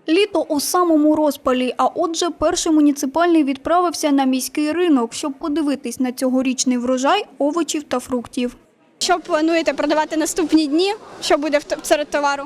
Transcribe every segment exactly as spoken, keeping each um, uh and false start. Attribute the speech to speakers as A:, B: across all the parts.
A: Літо у самому розпалі, а отже перший муніципальний відправився на міський ринок, щоб подивитись на цьогорічний врожай овочів та фруктів.
B: Що плануєте продавати наступні дні? Що буде серед товару?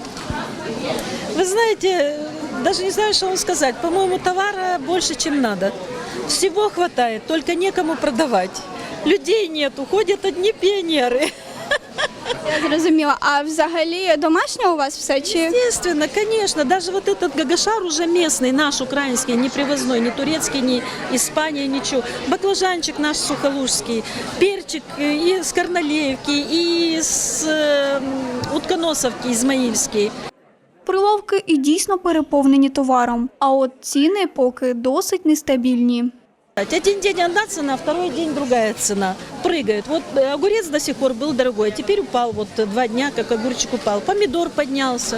C: Вы знаете, даже не знаю, что вам сказать. По-моему, товара больше, чем надо. Всего хватает, только некому продавать. Людей нету, ходят одни пионеры.
B: Я зрозуміла. А взагалі домашнє у вас все? Чи...
C: Естественно, конечно. Даже вот этот гагашар уже местный, наш украинский, не привозной, не турецкий, не Испания, ничего. Баклажанчик наш сухолужский, перчик и с Корнолеевки, и с э, Утконосовки, Измаильский.
A: Прилавки і дійсно переповнені товаром, а от ціни поки досить нестабільні.
C: Один день одна цена, второй день другая цена. Прыгает. Вот огурец до сих пор был дорогой, а теперь упал. Вот два дня, как огурчик упал. Помидор поднялся.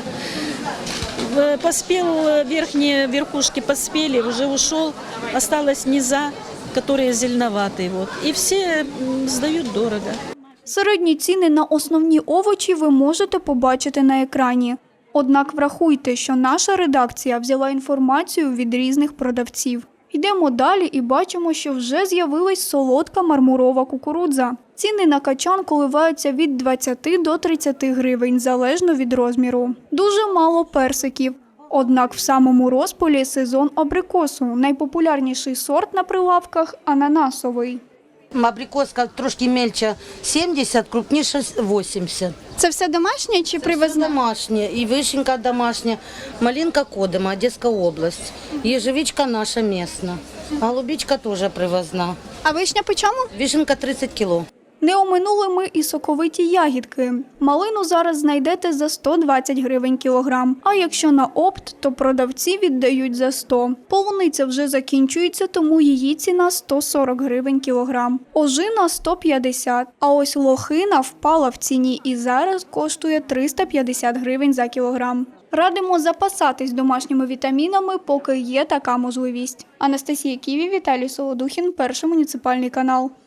C: Поспел, верхние верхушки поспели, уже ушел. Осталось низа, которые зеленоватые. Вот. И все сдают дорого.
A: Середні ціни на основні овочі ви можете побачити на екрані. Однак врахуйте, що наша редакція взяла інформацію від різних продавців. Йдемо далі і бачимо, що вже з'явилась солодка мармурова кукурудза. Ціни на качан коливаються від двадцяти до тридцяти гривень, залежно від розміру. Дуже мало персиків. Однак в самому розпалі сезон абрикосу. Найпопулярніший сорт на прилавках – ананасовий.
D: Абрикоска трошки мельче сімдесят, крупніше вісімдесят.
B: Це все домашнє чи привезне?
D: Домашнє, і вишенька домашня, малинка Кодима, Одеська область, ежевичка наша місна, голубичка теж привозна.
B: А вишня по чому?
D: Вишенка тридцять кіло.
A: Не оминули ми і соковиті ягідки. Малину зараз знайдете за сто двадцять гривень кілограм, а якщо на опт, то продавці віддають за сто. Полуниця вже закінчується, тому її ціна сто сорок гривень кілограм. Ожина – сто п'ятдесят, а ось лохина впала в ціні і зараз коштує триста п'ятдесят гривень за кілограм. Радимо запасатись домашніми вітамінами, поки є така можливість. Анастасія Ківі, Віталій Солодухін, Перший муніципальний канал.